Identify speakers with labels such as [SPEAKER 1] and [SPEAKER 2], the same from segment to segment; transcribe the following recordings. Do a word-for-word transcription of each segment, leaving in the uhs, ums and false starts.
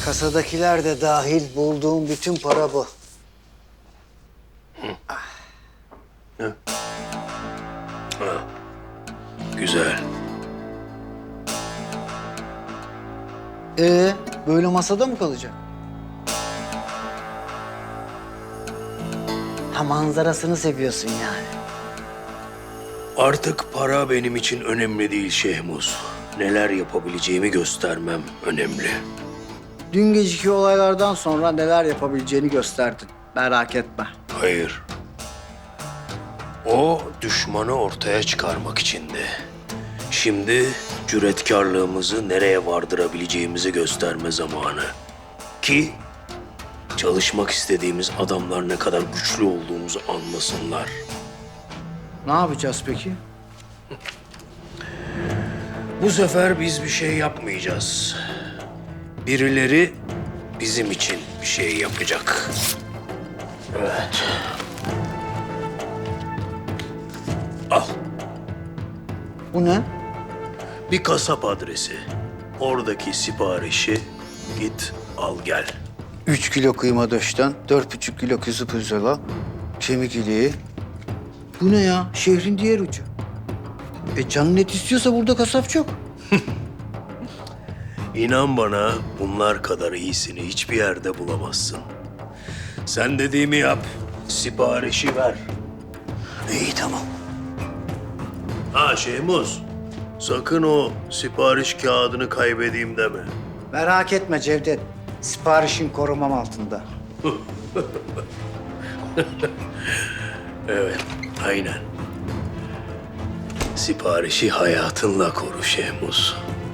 [SPEAKER 1] Kasadakiler de dahil bulduğum bütün para bu.
[SPEAKER 2] Güzel.
[SPEAKER 1] Ee, böyle masada mı kalacak? Ha, manzarasını seviyorsun yani.
[SPEAKER 2] Artık para benim için önemli değil Şehmuz. Neler yapabileceğimi göstermem önemli.
[SPEAKER 1] Dün geceki olaylardan sonra neler yapabileceğini gösterdin. Merak etme.
[SPEAKER 2] Hayır. O düşmanı ortaya çıkarmak içindi. Şimdi cüretkarlığımızı nereye vardırabileceğimizi gösterme zamanı. Ki çalışmak istediğimiz adamlar ne kadar güçlü olduğumuzu anlasınlar.
[SPEAKER 1] Ne yapacağız peki?
[SPEAKER 2] Bu sefer biz bir şey yapmayacağız. Birileri bizim için bir şey yapacak. Evet. Al.
[SPEAKER 1] Bu ne?
[SPEAKER 2] Bir kasap adresi. Oradaki siparişi git al gel.
[SPEAKER 1] Üç kilo kıyma döşten, dört buçuk kilo kuzu pirzola, kemik iliği. Bu ne ya? Şehrin diğer ucu. E canın et istiyorsa burada kasap çok.
[SPEAKER 2] İnan bana bunlar kadar iyisini hiçbir yerde bulamazsın. Sen dediğimi yap. Siparişi ver.
[SPEAKER 1] İyi tamam.
[SPEAKER 2] Ha Şehmuz. Sakın o sipariş kağıdını kaybedeyim deme.
[SPEAKER 1] Merak etme Cevdet. Siparişin korumam altında.
[SPEAKER 2] Evet, aynen. Siparişi hayatınla koru Şehmuz.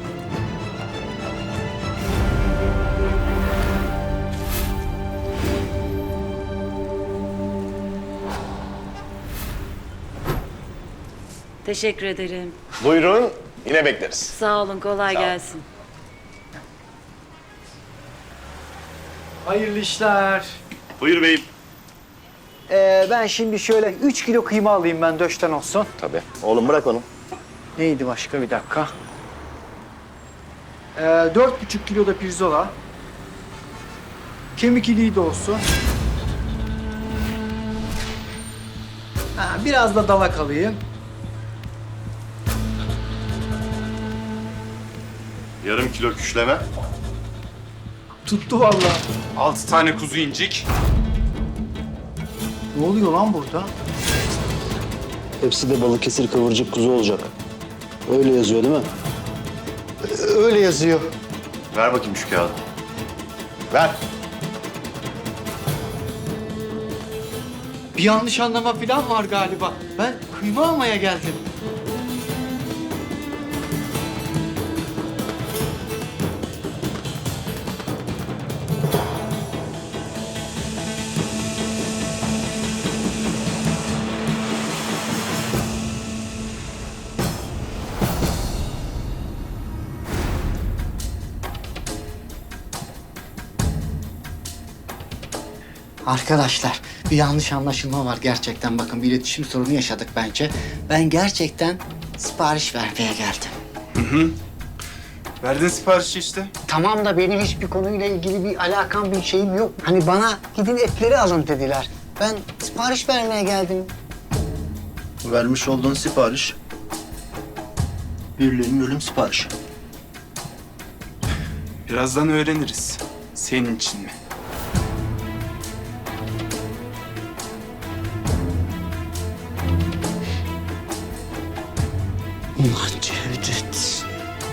[SPEAKER 3] Teşekkür ederim.
[SPEAKER 4] Buyurun, yine bekleriz.
[SPEAKER 3] Sağ olun, kolay gelsin.
[SPEAKER 1] Hayırlı işler.
[SPEAKER 4] Buyur beyim.
[SPEAKER 1] Ee, ben şimdi şöyle üç kilo kıyma alayım ben döşten olsun.
[SPEAKER 4] Tabii. Oğlum bırak onu.
[SPEAKER 1] Neydi başka bir dakika? Ee, dört buçuk kilo da pirzola. Kemik iliği de olsun. Ha, biraz da dalak alayım.
[SPEAKER 5] Yarım kilo küşleme,
[SPEAKER 1] Tuttu vallahi.
[SPEAKER 5] altı tane kuzu incik.
[SPEAKER 1] Ne oluyor lan burada?
[SPEAKER 6] Hepsi de Balıkesir kıvırcık kuzu olacak. Öyle yazıyor değil mi?
[SPEAKER 1] Öyle yazıyor.
[SPEAKER 5] Ver bakayım şu kağıdı. Ver.
[SPEAKER 1] Bir yanlış anlama falan var galiba. Ben kıyma almaya geldim. Arkadaşlar bir yanlış anlaşılma var gerçekten. Bakın bir iletişim sorunu yaşadık bence. Ben gerçekten sipariş vermeye geldim.
[SPEAKER 5] Verdin siparişi işte.
[SPEAKER 1] Tamam da benim hiçbir konuyla ilgili bir alakam, bir şeyim yok. Hani bana gidin etleri alın dediler. Ben sipariş vermeye geldim.
[SPEAKER 6] Vermiş olduğun sipariş. Birilerinin ölüm siparişi.
[SPEAKER 5] Birazdan öğreniriz. Senin için mi?
[SPEAKER 1] Ulan Cevdet.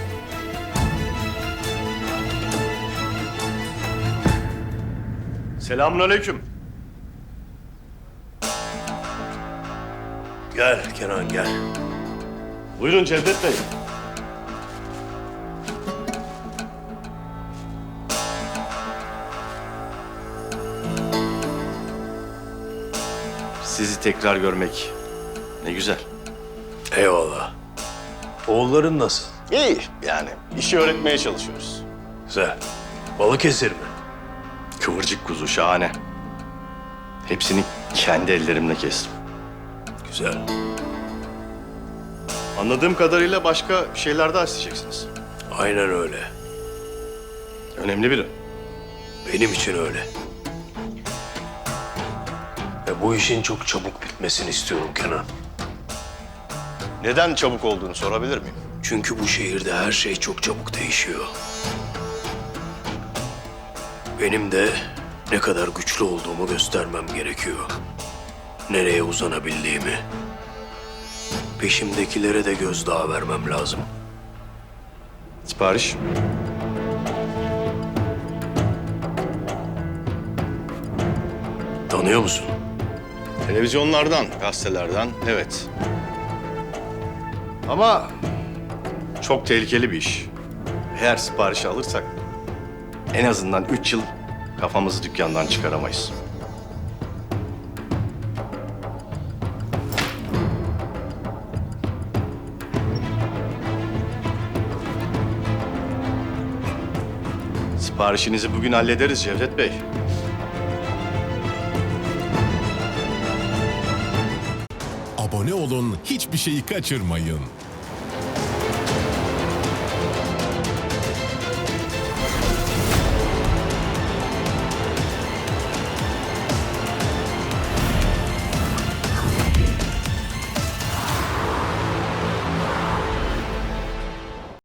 [SPEAKER 5] Selamünaleyküm.
[SPEAKER 2] Gel Kenan gel.
[SPEAKER 5] Buyurun Cevdet Bey. Sizi tekrar görmek ne güzel.
[SPEAKER 2] Eyvallah. Oğulların nasıl?
[SPEAKER 4] İyi yani. İşi öğretmeye çalışıyoruz.
[SPEAKER 2] Güzel. Balıkesir mi?
[SPEAKER 5] Kıvırcık kuzu şahane. Hepsini kendi ellerimle kestim.
[SPEAKER 2] Güzel.
[SPEAKER 5] Anladığım kadarıyla başka şeyler daha isteyeceksiniz.
[SPEAKER 2] Aynen öyle.
[SPEAKER 5] Önemli biri.
[SPEAKER 2] Benim için öyle. Ve bu işin çok çabuk bitmesini istiyorum Kenan.
[SPEAKER 4] Neden çabuk olduğunu sorabilir miyim?
[SPEAKER 2] Çünkü bu şehirde her şey çok çabuk değişiyor. Benim de ne kadar güçlü olduğumu göstermem gerekiyor. Nereye uzanabildiğimi. Peşimdekilere de gözdağı vermem lazım.
[SPEAKER 5] Sipariş.
[SPEAKER 2] Tanıyor musun?
[SPEAKER 5] Televizyonlardan, gazetelerden, evet. Ama çok tehlikeli bir iş. Eğer siparişi alırsak en azından üç yıl kafamızı dükkandan çıkaramayız. Siparişinizi bugün hallederiz Cevdet Bey.
[SPEAKER 7] Abone olun, hiçbir şeyi kaçırmayın.